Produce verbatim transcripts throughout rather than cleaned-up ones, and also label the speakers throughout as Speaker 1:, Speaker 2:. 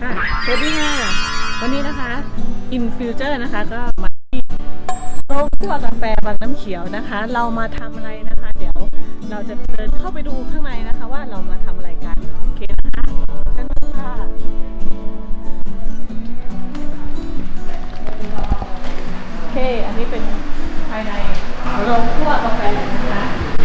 Speaker 1: ค่ะสวัสดีค่ะวันนี้นะคะ In Future นะคะก็มาที่โรงคั่วกาแฟบางน้ำเขียวนะคะเรามาทำอะไรนะคะเดี๋ยวเราจะเดินเข้าไปดูข้างในนะคะว่าเรามาทำอะไรกันโอเคนะคะกันค่ะโอเคอันนี้เป็นภายในโรงคั่วกาแฟนะคะ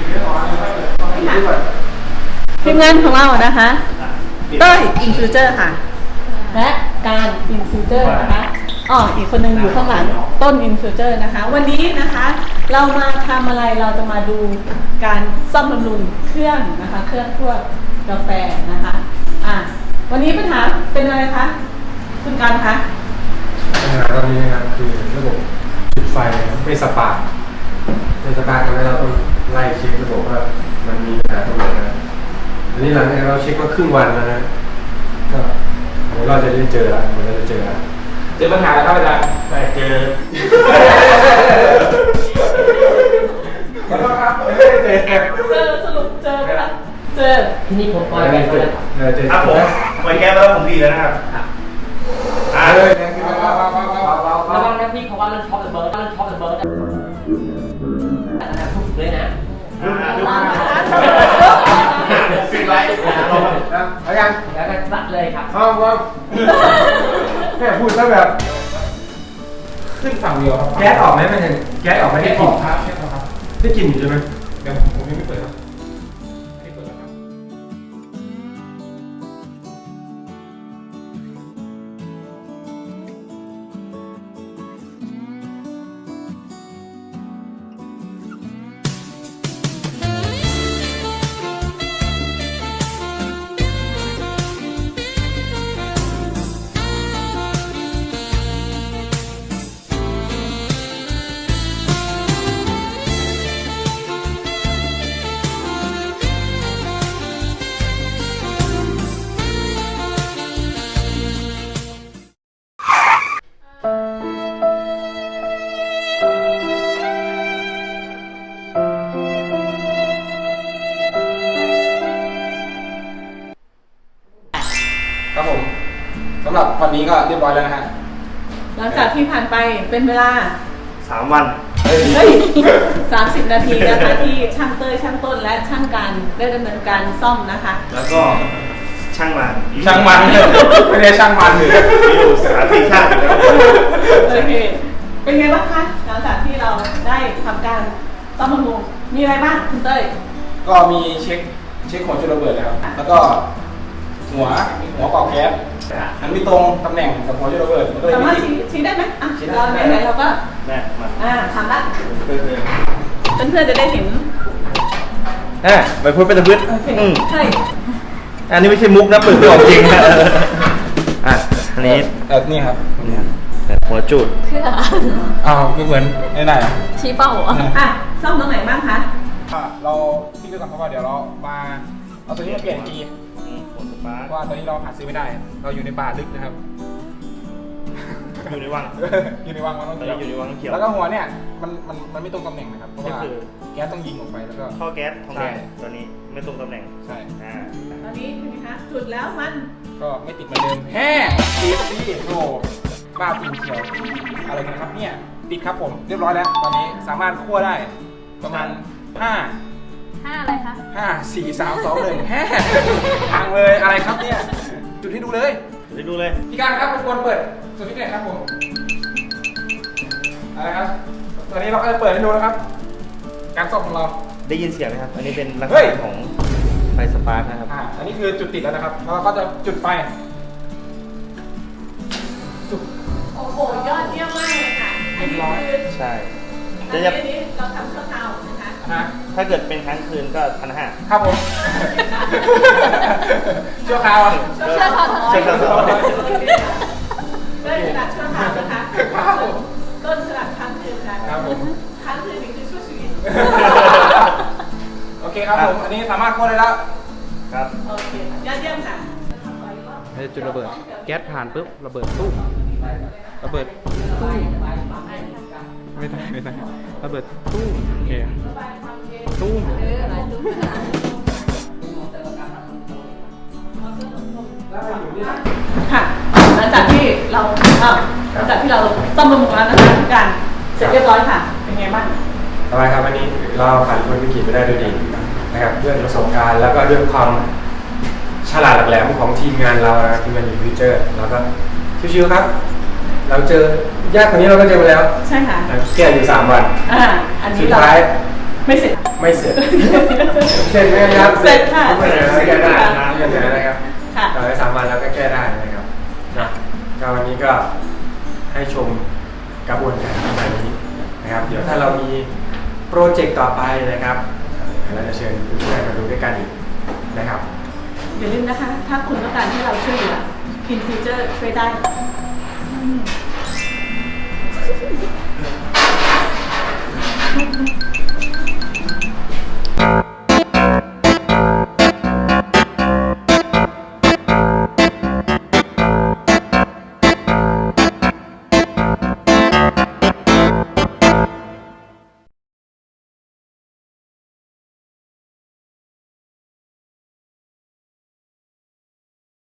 Speaker 1: ทีมงานของเรานะคะเต้ย In Future ค่ะและการ In Future นะคะอ๋ออีกคนนึงอยู่ข้างหลังต้น In Future นะคะวันนี้นะคะเรามาทำอะไรเราจะมาดูการซ่อมบำรุงเครื่องนะคะเครื่องคั่วกาแฟนะคะอ่ะวันนี้ปัญหาเป็นอะไรคะคุณการคะ
Speaker 2: ปัญหาตอนนี้นะครับคือระบบจุดไฟไม่สปาร์คไม่สปาร์คทำให้เราต้องไล่เช็คระบบว่ามันมีปัญหาตรงไหนนะอันนี้หลังจากเราเช็คมาครึ่งวันแล้วนะก็เดี๋ยวเราจะได้เจอละเดี๋ยวเราจะเจอละเจอปัญหาแล้วครับอาจารย์ได้เจอขอโทษครับไม่ได้เจอ
Speaker 1: เจอสรุปเจอไหมคะเจอ
Speaker 3: ที่นี่ผมปล่อยแก๊สแล้ว
Speaker 2: ครับผม
Speaker 4: ปล่อยแก๊สแล้วผมดีแล้วนะครับ
Speaker 2: อ่าเลยนะคือว้าวว้าวว้าวว้าวว้าว
Speaker 3: ระวังนะพี่เพราะว่าเรื่องช็อปเดอะเบิร์ดเรื่องช็อปเดอะเบิร์ดทุกเลยนะ
Speaker 4: สิ่งไร
Speaker 2: เอายัง
Speaker 3: แล้วก็สัดเลยครับ
Speaker 2: เอาว่าแค่พูดซะแบบขึ้นฝั่งเดียวครับแก๊สออกไหมมันยังแก๊สออกไม่ได้กลิ่นครับได้กลิ่นอยู่ใช่ไหมเดี๋ยวผมยังไม่เปิดครับไม่เปิดแล้วครับครับผมสำหรับวันนี้ก็เรียบร้อยแล้วนะฮะ
Speaker 1: หลังจากที่ผ่านไปเป็นเวลา
Speaker 4: สามวัน
Speaker 1: เฮ้ยสามสิบนาทีนะคะที่ช่างเต้ยช่างต้นและช่างการได้ดำเนินการซ่อมนะคะ
Speaker 4: แล้วก็ช่างมัน
Speaker 2: ช่างมันไม่ได้ช่างมันเลย
Speaker 4: อยู่สถานที่ช่าง
Speaker 1: โอเคเป็นไงบ้างคะหลังจากที่เราได้ทำการซ่อมบำรุงมีอะไรบ้างคุณเต้ย
Speaker 2: ก็มีเช็คเช็คหัวจุดระเบิดแล้วแล้วก็หัวหัวเป่าแก๊สมันไม่ตรงตำแหน่งกับหัวจุดระเบิดมันก็เลย
Speaker 1: สามารถชี้ได้ไหมอ่ะเราไหนๆเราก็
Speaker 4: แม่มา
Speaker 1: อ่าทำละเพื่อนๆจะได้เห็น
Speaker 4: อ่ะไปพูดเป็นตะพื้น
Speaker 1: ใช่
Speaker 4: อันนี้ไม่ใช่มุกนะเปิดตัวจริงนะอ่ะอันนี้
Speaker 2: เออนี่ครับ
Speaker 4: หัวจุด
Speaker 1: เพื่อ
Speaker 2: อ้าวไม่เหมือนไหนไหน
Speaker 1: ชี้เป้าอ่ะซ่อมตรงไหนบ้างคะ
Speaker 2: เราที่ด้วยกันเพราะว่าเดี๋ยวเรามาเอาตัวนี้มาเปลี่ยนทีเพราะว่าตอนนี้เราหาซื้อไม่ได้เราอยู่ในป่าลึกนะครับ
Speaker 4: อยู่ในวัง
Speaker 2: อยู่ในวังมันต้องเขียว
Speaker 4: อยู่ในวังเขียว
Speaker 2: แล้วก็หัวเนี่ยมันมันมันไม่ตรงตำแหน่งนะครับเพราะว่าแก๊สต้องยิงออกไปแล้วก็
Speaker 4: ท่อแก๊สทองแดงตอนนี้ไม่ตรงตำแหน่ง
Speaker 2: ใช่
Speaker 4: อ่า
Speaker 1: ตอนนี้เป็นไงคะจุดแล้วมัน
Speaker 2: ก็ไม่ติดเหมือนเดิมแฮ่ติดสิโอ้บ้าจริงเขียวอะไรกันครับเนี่ยติดครับผมเรียบร้อยแล้วตอนนี้สามารถคั่วได้ประมาณห้า
Speaker 1: ห้าอะไรคะ
Speaker 2: ห้าสี่สามสองหนึ่งแฮ่พังเลยอะไรครับเนี่ยจุดให้ดูเลย
Speaker 4: จุดให้ดูเลย
Speaker 2: พี่การครับรบกวนเปิดสวิตช์หน่อยครับผมอะไรครับตอนนี้เราก็จะเปิดให้ดูนะครับการซ่อมของเรา
Speaker 4: ได้ยินเสียงไหมครับอันนี้เป็นลักษณะของไฟสปาร์คนะครับ
Speaker 2: อ่าอันนี้คือจุดติดแล้วนะครับแล้วก็จะจุดไฟ
Speaker 1: โอ้โหยอดเยี่ยมมากเลยค่ะอันนี้คือ
Speaker 4: ใช่
Speaker 1: อันนี้เราทำชั่วคราวนะคะ
Speaker 4: ถ้าเกิดเป็นครั้งคืนก็พันห้า
Speaker 2: ครับผมชั่วคราว
Speaker 1: ชั่วคราว
Speaker 4: ชั่วคราว
Speaker 1: ต้นสลัดชั่วคราวนะคะต้นสลัดครั้งคืนนะครับผมครั้งคืนนี่คือชั่วชีวิต
Speaker 2: โอเคครับผมอันนี้สามารถเข้าได้แล้ว
Speaker 4: ครับ
Speaker 1: โอเคยอดเยี่ยมค่ะ
Speaker 2: จุดระเบิดแก๊สผ่านปุ๊บระเบิดตู้ระเบิดตู้ไม่ได้ไม่ได้ระเบิดตู้โอเคตู้
Speaker 1: ค่ะเราอ้าวหลังจากที่เราซ่อมบำรุงแล้วนะคะทุกการเสร็จเรียบร้อยค่ะ เป็นไงบ้าง
Speaker 2: ต่อไปครับวันนี้เราผ่านพ้นวิกฤตไปได้ด้วยดีนะครับด้วยประสบการณ์แล้วก็ด้วยความฉลาดหลักแหลมของทีมงานเรานะครับทีมงานยูฟิวเจอร์แล้วก็ชิวๆครับ เราเจอยากกว่านี้เราก็เจอมาแล้ว
Speaker 1: ใช่ค่ะ
Speaker 2: แก้อยู่สามวัน
Speaker 1: อ่าอันนี้
Speaker 2: สุด
Speaker 1: เรา
Speaker 2: ท้าย
Speaker 1: ไม่เสร็จ
Speaker 2: ไม่เสร็จ เสร็จไหมครับ
Speaker 1: เสร็จค่ะ
Speaker 2: ไม่เสร็จแล้วแก้ได้นะแก้ได้นะครับ
Speaker 1: ค่ะ
Speaker 2: ต่อไปสามวันแล้วก็แก้ได้นะครับนะก็วันนี้ก็ให้ชมกระบวนการประมาณนี้นะครับ เดี๋ยวถ้าเรามีโปรเจกต์ต่อไปนะครับเราจะเชิญเพื่อนๆมาดูด้วยกันอีกนะครับ
Speaker 1: อย่าลืมนะคะ ถ้าคุณต้องการให้เราช่วยเหลือ In Future ช่วยได้อืม